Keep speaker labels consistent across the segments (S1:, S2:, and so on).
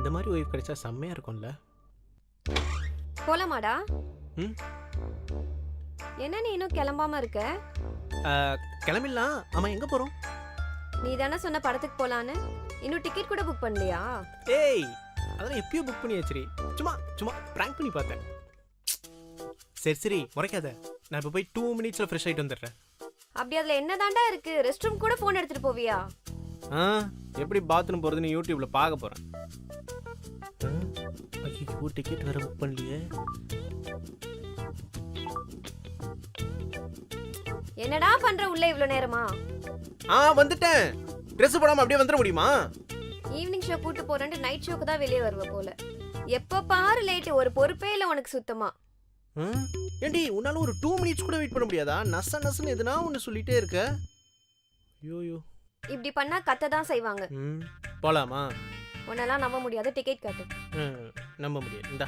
S1: இந்த மாதிரி ஒய்ஃப் கிடைச்சா செம்மையா இருக்கும்ல.
S2: போலாமாடா?
S1: ம்
S2: என்ன நீ இன்னும் கிளம்பாம இருக்க?
S1: கிளம்பிடலாம். ஆமா, எங்க போறோம்?
S2: நீ தானே சொன்ன படத்துக்கு போலான்னு. இன்னும் டிக்கெட் கூட புக் பண்ணலையா?
S1: ஏய், அதெல்லாம் எப்பயோ புக் பண்ணி வச்சிரி. சும்மா சும்மா பிராங்க் பண்ணி பார்த்தேன். சரி சரி, முறைக்காத. நான் இப்போ போய் 2 மினிட்ஸ்ல ஃப்ரெஷ் ஆயிட்டு வந்துடுறேன்.
S2: அப்படி அதுல என்னதான்டா இருக்கு? ரெஸ்ட் ரூம் கூட போன் எடுத்துட்டு போவியா?
S1: எப்படி பாத்ரூம் போறதுன்னு யூடியூப்ல பார்க்க போறேன். ஐயோ, டிக்கெட் வேற புக் பண்ணலையே.
S2: என்னடா பண்ற உள்ள இவ்ளோ நேரமா?
S1: வந்துட்டேன். Dress போடாம அப்படியே வந்துட முடியுமா?
S2: ஈவினிங் ஷோ கூட்டி போறேன்னு நைட் ஷோக்கு தான் வெளியே வருவ போல. எப்ப பாரு லேட். ஒரு பொறுப்பே இல்ல உனக்கு சுத்தமா.
S1: ஏண்டி, உன்னால ஒரு 2 மினிட்ஸ் கூட வெயிட் பண்ண முடியாதா? நசன்னு எதுனா ஒன்னு சொல்லிட்டே இருக்க. ஐயோ,
S2: இப்படி பண்ணா கத்த தான் செய்வாங்க.
S1: போலாமா?
S2: உன்னெல்லாம் நம்ப முடியாது. டிக்கெட் காட்டு.
S1: நம்ப முடியாது. இந்தா.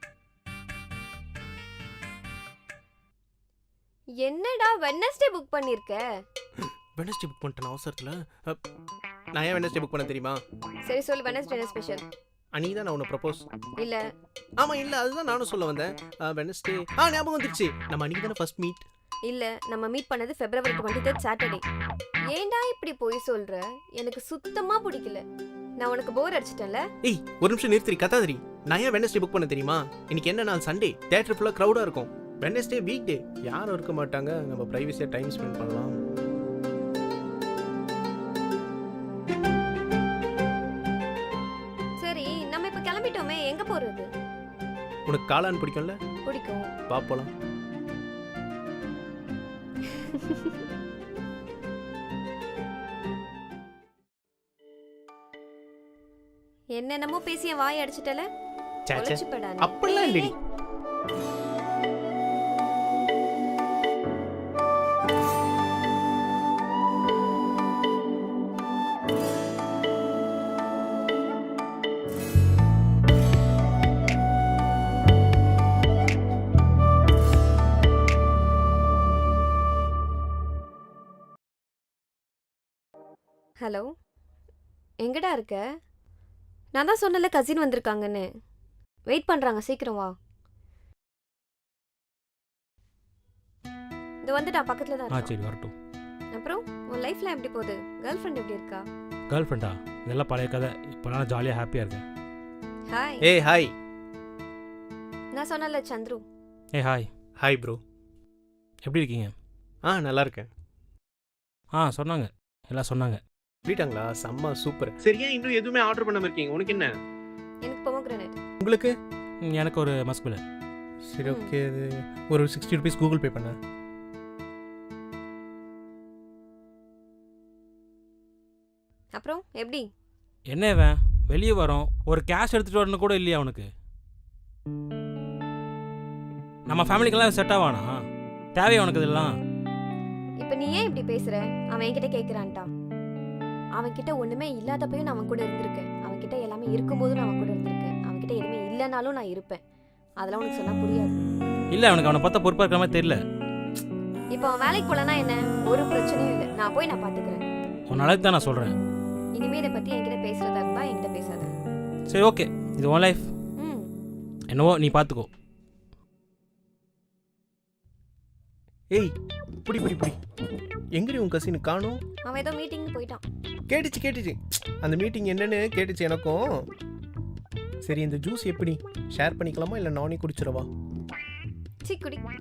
S2: என்னடா வெட்னஸ்டே புக் பண்ணிருக்க?
S1: வெட்னஸ்டே புக் பண்ணிட்டேன் அவசரத்துல. நான் ஏன் வெட்னஸ்டே புக் பண்ண தெரியுமா?
S2: சரி சொல்லு, வெட்னஸ்டே என்ன ஸ்பெஷல்?
S1: அன்னைக்கு தான் நான் உன்னை ப்ரப்போஸ்.
S2: இல்ல.
S1: ஆமா இல்ல, அதுதான் நானும் சொல்ல வந்தேன். வெட்னஸ்டே ஞாபகம் வந்துருச்சு. நம்ம அன்னைக்கு தானே ஃபர்ஸ்ட் மீட்.
S2: இல்ல, நம்ம மீட் பண்ணது February 23 சாட்டர்டே. ஏன்டா இப்படி போய் சொல்ற? எனக்கு சுத்தமா பிடிக்கல. நான் உனக்கு போர் அடிச்சிட்டேன்ல.
S1: ஏய், ஒரு நிமிஷம் நிறுத்தி கத்தாதரி. நான் ஏன் வெட்னஸ்டே புக் பண்ண தெரியுமா? இன்னைக்கு என்ன நாள்? சண்டே. தியேட்டர் ஃபுல்லா கிரவுடா இருக்கும். வெட்னஸ்டே வீக் டே, யாரும் இருக்க மாட்டாங்க. நம்ம பிரைவசியா டைம் ஸ்பெண்ட் பண்ணலாம்.
S2: சரி, நம்ம இப்ப கிளம்பிட்டோமே, எங்க போறது?
S1: உனக்கு காளான் பிடிக்கும்ல?
S2: பிடிக்கும்.
S1: வா போலாம்.
S2: என்னென்னமோ பேசி என் வாய் அடிச்சிட்டல.
S1: அப்படிலாம் இல்லடி.
S2: ஹலோ, எங்கடா இருக்க? நான் தான் சொன்னல கசின் வந்திருக்காங்கன்னு. வெயிட் பண்றாங்க, சீக்கிரம் வா. இது வந்துட்டா, பக்கத்துல தான் இருக்கா.
S3: சரி வரட்டும்.
S2: அப்புறம் உன் லைஃப்ல எப்படி போகுது? கேர்ள் ஃப்ரெண்ட் எப்படி இருக்கா?
S3: கேர்ள் ஃப்ரெண்டா? இதெல்லாம் பழைய கதை. இப்போ நான் ஜாலியாக ஹாப்பியாக இருக்கேன்.
S2: ஹாய்.
S1: ஏய் ஹாய்.
S2: நான் சொன்னல சந்துரு.
S3: ஏய் ஹாய்.
S1: Hi bro.
S3: எப்படி இருக்கீங்க?
S1: நல்லா இருக்கேன்.
S3: சொன்னாங்க, எல்லாம் சொன்னாங்க.
S1: சொல்லிட்டாங்களா? செம்ம சூப்பர். சரியா இன்னும் எதுவுமே ஆர்டர் பண்ணாம இருக்கீங்க? உனக்கு என்ன?
S2: எனக்கு பொமோகிரானேட்.
S1: உங்களுக்கு?
S3: எனக்கு ஒரு மஸ்குல.
S1: சரி ஓகே, ஒரு 60 rupees கூகுள் பே பண்ண.
S2: அப்புறம் எப்படி?
S3: என்ன இவன் வெளியே வரோம், ஒரு கேஷ் எடுத்துட்டு வரணும் கூட இல்லையா அவனுக்கு? நம்ம ஃபேமிலிக்கெல்லாம் செட் ஆவானா? தேவையா உனக்கு இதெல்லாம்?
S2: இப்போ நீ ஏன் இப்படி பேசுற? அவன் என்கிட்ட கேட்குறான்ட்டா. அவன்கிட்ட ஒன்றுமே இல்லாதப்பையும் நான் அவன் கூட இருந்திருக்கேன். அவன்கிட்ட எல்லாமே இருக்கும்போதும் நான் அவன் கூட இருந்திருக்கேன். அவன்கிட்ட எதுவுமே இல்லைனாலும் நான் இருப்பேன். அதெல்லாம் உனக்கு சொன்னா புரியாது.
S3: இல்லை, அவனுக்கு அவனை பார்த்தா பொறுப்பாக இருக்கிற மாதிரி தெரியல.
S2: இப்போ அவன் வேலைக்கு போலனா என்ன? ஒரு பிரச்சனையும் இல்லை. நான் போய் பார்த்துக்கிறேன்.
S3: உன் நாளைக்கு தான் நான் சொல்கிறேன்.
S2: இனிமே இதை பற்றி என்கிட்ட பேசுறதா இருந்தா என்கிட்ட பேசாத.
S3: சரி ஓகே, இது உன் லைஃப். என்னவோ நீ பார்த்துக்கோ.
S1: ஏய், புடி புடி புடி. எங்கடி உன் கசின் காணோம்?
S2: அவன் ஏதோ மீட்டிங் போயிட்டான்.
S1: கேட்டுச்சு. அந்த மீட்டிங் என்னன்னு கேட்டுச்சு எனக்கும். சரி, இந்த ஜூஸ் எப்படி ஷேர் பண்ணிக்கலாமா இல்லை நானே குடிச்சிடவா?
S2: சீ குடி.